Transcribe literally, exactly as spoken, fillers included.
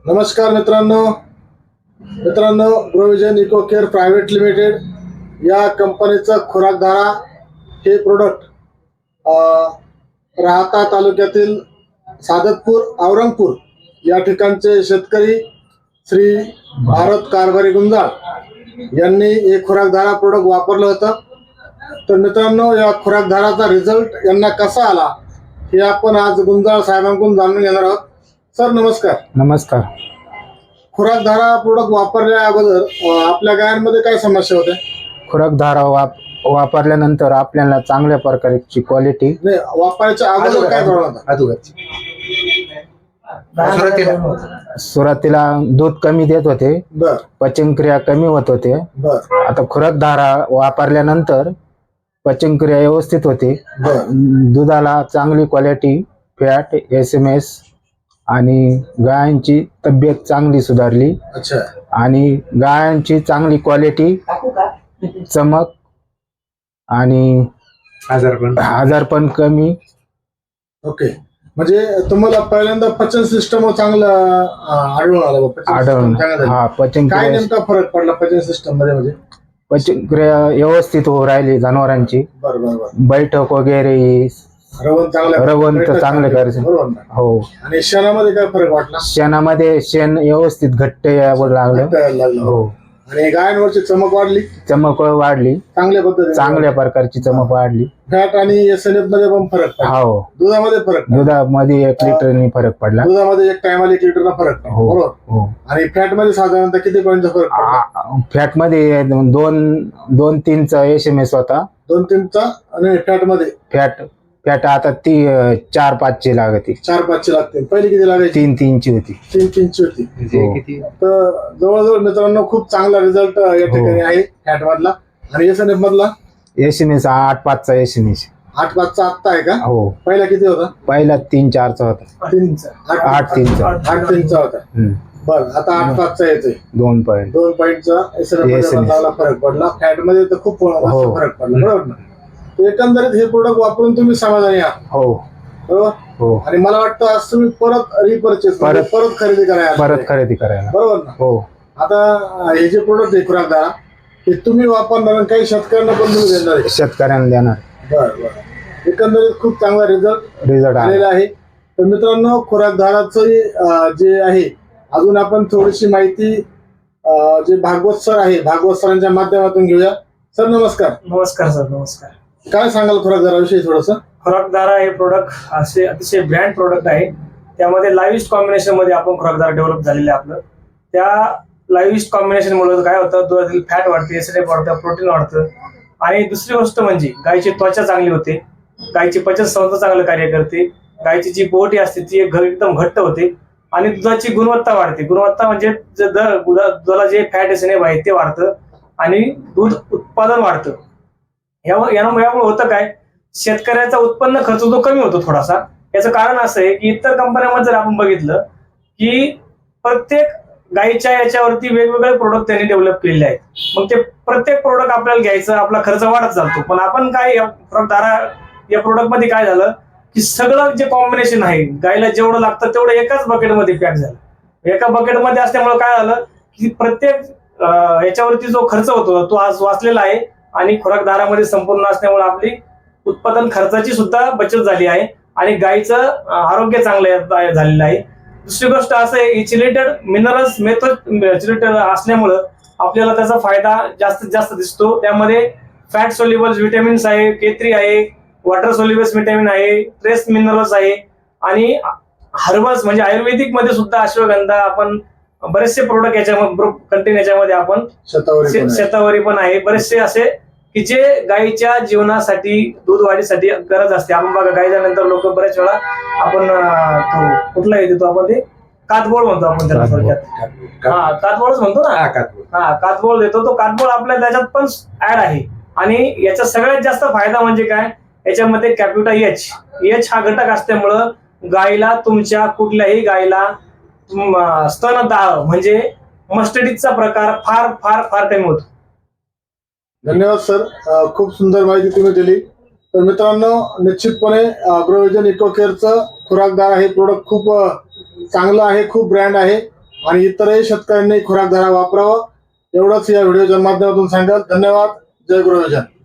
नमस्कार मित्रांनो मित्रांनो Growvision Eco Care Private Limited या कंपनीचं खुराकधारा हे प्रोडक्ट राहता तालुक्यातील सादतपूर औरंगपूर या ठिकाणचे शेतकरी श्री भारत कारभारी गुंजाळ यांनी हे खुराकधारा प्रोडक्ट वापरलं होतं। तर मित्रांनो, या खुराकधाराचा रिझल्ट यांना कसा आला हे आपण आज गुंजाळ साहेबांकडून जाणून घेणार आहोत। सर नमस्कार। नमस्कार। खुराकधारा प्रोडक्ट वापरल्या अगोदर आपल्या गायांमध्ये काय समस्या होत्या? खुराकधारा वाप वापरल्यानंतर आपल्याला चांगल्या प्रकारची क्वालिटी नाही, वापरायच्या अगोदर काय प्रॉब्लेम होता? सुरुवातीला दूध कमी देत होते, बर पचनक्रिया कमी होत होते। बर आता खुराकधारा वापरल्यानंतर पचनक्रिया व्यवस्थित होते, दुधाला चांगली quality, fat, S M S आणि गायांची तब्येत चांगली सुधारली। अच्छा। आणि गायांची चांगली क्वालिटी, चमक आणि आजारपण आजारपण कमी। ओके, म्हणजे तुम्हाला पहिल्यांदा पचन सिस्टम चांगलं आढळून आलं? आढळून हा पचन काय नेमका फरक पडला पचन सिस्टम मध्ये? म्हणजे पचनक्रिया व्यवस्थित होऊ राहिली जनावरांची, बरोबर, बैठक वगैरे रवण चांगलं रवण तर चांगलं करायचं। हो। आणि शेणामध्ये काय फरक वाटला? शेणामध्ये शेण व्यवस्थित घट्ट लागलं। हो। आणि गायांवरची चमक वाढली? चमक वाढली, चांगल्या पद्धतीने चांगल्या प्रकारची चमक वाढली। फॅट आणि एस एन एफ मध्ये पण फरक पडला? हो। दुधामध्ये फरक? दुधामध्ये एक लिटरनी फरक पडला। दुधामध्ये एक टायमाला एक लिटरला फरक पडला, बरोबर। हो। आणि फॅट मध्ये साधारणतः किती पॉईंटचा फरक पडला? फॅट मध्ये दोन दोन तीनचा एस एम एस होता। दोन तीनचा आणि फॅट मध्ये फॅट फॅट आता ती चार पाचची लागते। चार पाचची लागते, पहिली किती लागायची? तीन तीनची होती। तीन तीनची होती। तर जवळजवळ मित्रांनो खूप चांगला रिझल्ट या ठिकाणी आहे फॅट मधला। आणि एस एन एफ मधला? एस एम एस आठ पाचचा एस एम एस। आठ पाचचा आत्ता आहे का? हो। पहिला किती होता? पहिला तीन चारचा होता। तीनचा आठ तीनचा आठ तीनचा होता। बर, आता आठ पाचचा येतोय। दोन पॉईंट दोन पॉईंटचा एस एन एफ मध्ये फरक पडला। फॅट मध्ये तर खूप फरक पडला, बरोबर ना? एकंदरीत हे प्रोडक्ट वापरून तुम्ही समाधानी आहात? हो। बरोबर। हो। आणि मला वाटतं आज तुम्ही परत रिपर्चेस परत परत खरेदी करायला परत खरेदी करायला बरोबर ना? हो। आता हे जे प्रोडक्ट आहे खुराकधारा, हे तुम्ही वापरणार आणि काही शेतकऱ्यांना पण तुम्ही देणार आहे? शेतकऱ्यांना देणार। बरं बरं। एकंदरीत खूप चांगला रिझल्ट रिझल्ट आलेला आहे। तर मित्रांनो, खुराकधाराचं जे आहे अजून आपण थोडीशी माहिती जे भागवत सर आहे भागवत सरांच्या माध्यमातून घेऊया। सर नमस्कार। नमस्कार सर। नमस्कार। काय सांगाल खुराकधाराविषयी थोडस? खुराकधारा हे प्रोडक्ट असे अतिशय ब्रँड प्रोडक्ट आहे। त्यामध्ये लाईव्हिस्ट कॉम्बिनेशन मध्ये आपण खुराकधारा डेव्हलप झालेले आहे। आपलं त्या लाईव्हिस्ट कॉम्बिनेशन मुळे काय होतं, दुधातील फॅट वाढते, एस एन एफ वाढतं, प्रोटीन वाढतं। आणि दुसरी गोष्ट म्हणजे गायची त्वचा चांगली होते, गायची पचन संस्था चांगलं कार्य करते, गायची जी बोटी असते ती एकदम घट्ट होते आणि दुधाची गुणवत्ता वाढते। गुणवत्ता म्हणजे दुधाला जे फॅट एस एन एफ आहे ते वाढतं आणि दूध उत्पादन वाढतं। यामुळे होतं काय, शेतकऱ्याचा उत्पन्न खर्च जो कमी होतो थोडासा। याचं कारण असं आहे की इतर कंपन्यांमध्ये जर आपण बघितलं की प्रत्येक गायीच्या याच्यावरती वेगवेगळे प्रोडक्ट त्यांनी डेव्हलप केलेले आहेत। मग ते प्रत्येक प्रोडक्ट आपल्याला घ्यायचं, आपला खर्च वाढत जातो। पण आपण काय या खुराकधारा या प्रोडक्ट मध्ये काय झालं की सगळं जे कॉम्बिनेशन आहे, गायला जेवढं लागतं तेवढं एकाच बकेटमध्ये पॅक झालं। एका बकेटमध्ये असल्यामुळे काय झालं की प्रत्येक याच्यावरती जो खर्च होतो तो आज वाचलेला आहे आणि खुराकधारामध्ये संपूर्ण असल्यामुळे आपली उत्पादन खर्चाची सुद्धा बचत झाली आहे आणि गायीचं आरोग्य चांगलं झालेलं आहे। दुसरी गोष्ट असं आहे, चिलेटेड मिनरल्स मेथड चिलेटेड असल्यामुळं आपल्याला त्याचा फायदा जास्तीत जास्त दिसतो। त्यामध्ये फॅट सोल्युबल्स व्हिटॅमिन्स आहे, के थ्री आहे, वॉटर सोल्युबल्स व्हिटॅमिन आहे, ट्रेस मिनरल्स आहे आणि हर्बल्स म्हणजे आयुर्वेदिक मध्ये सुद्धा अश्वगंधा, आपण बरेचसे प्रोडक्ट याच्यामध्ये कंटेन याच्यामध्ये आपण शतावरी पण आहे, बरेचसे असे की जे गायीच्या जीवनासाठी दूध वाढीसाठी गरज असते। आपण बघा गायीच्या नंतर लोक बऱ्याच वेळा आपण तो कुठला येतो तो आपण ते कातबोळ म्हणतो आपण त्याला थोडक्यात। हा कातबोळच म्हणतो ना। हा कातबोळ देतो तो। कातबोळ आपल्या त्याच्यात पण ऍड आहे आणि याचा सगळ्यात जास्त फायदा म्हणजे काय, याच्यामध्ये कॅप्युटा एच एच हा घटक असल्यामुळं गायीला, तुमच्या कुठल्याही गायीला स्तनदाह म्हणजे मस्टडीजचा प्रकार फार फार फार कमी होतो। धन्यवाद सर, खूप सुंदर माहिती तुम्ही दिली। तर मित्रांनो, निश्चितपणे ग्रोविजन इको केअरचं खुराकधारा हे प्रोडक्ट खूप चांगलं आहे, खूप ब्रँड आहे आणि इतरही शेतकऱ्यांनी खुराक धारा वापरावं एवढंच या व्हिडिओच्या माध्यमातून सांगाल. धन्यवाद. जय गुरुविजन.